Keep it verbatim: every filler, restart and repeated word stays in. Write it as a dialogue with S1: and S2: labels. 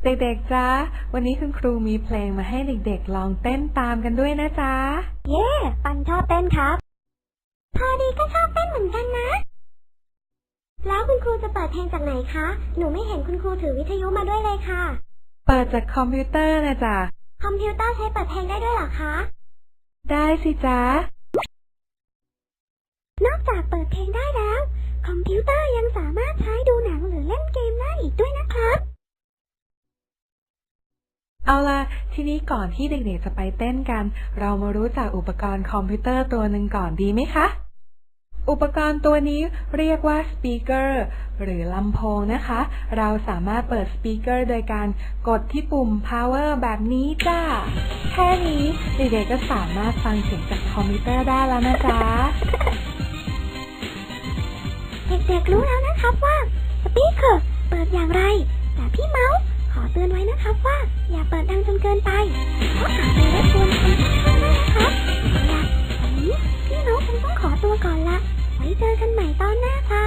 S1: เด็กๆจ๊ะวันนี้คุณครูมีเพลงมาให้เด็กๆลองเต้นตามกันด้วยนะจ๊ะ
S2: เย้ปันชอบเต้นครับพอดีก็ชอบเต้นเหมือนกันนะแล้วคุณครูจะเปิดเพลงจากไหนคะหนูไม่เห็นคุณครูถือวิทยุมาด้วยเลยค่ะ
S1: เปิดจากคอมพิวเตอร์นะจ๊ะ
S2: คอมพิวเตอร์ใช้เปิดเพลงได้ด้วยเหรอคะ
S1: ได้สิจ๊ะ
S2: นอกจากเปิดเพลงได้แล้วคอมพิวเตอร์ยังสามารถใช้ดูหนังหรือเล่นเกมได้อีกด้วยนะครับ
S1: เอาล่ะทีนี้ก่อนที่เด็กๆจะไปเต้นกันเรามารู้จักอุปกรณ์คอมพิวเตอร์ตัวหนึ่งก่อนดีไหมคะอุปกรณ์ตัวนี้เรียกว่าสปีกเกอร์หรือลำโพงนะคะเราสามารถเปิดสปีกเกอร์โดยการกดที่ปุ่ม power แบบนี้จ้าแค่นี้เด็กๆก็สามารถฟังเสียงจากคอมพิวเตอร์ได้แล้วนะจ๊ะ
S2: เด็กๆรู้แล้วนะครับว่าสปีกเกอร์เปิดอย่างไรแต่พี่เมาส์ขอเตือนไว้นะครับว่าอย่าเปิดดังจนเกินไปเพราะอาจจะรบกวนคนข้างๆได้นะครับเอาล่ะวันนี้พี่เมาส์คงต้องขอตัวก่อนละไว้เจอกันใหม่ตอนหน้าครับ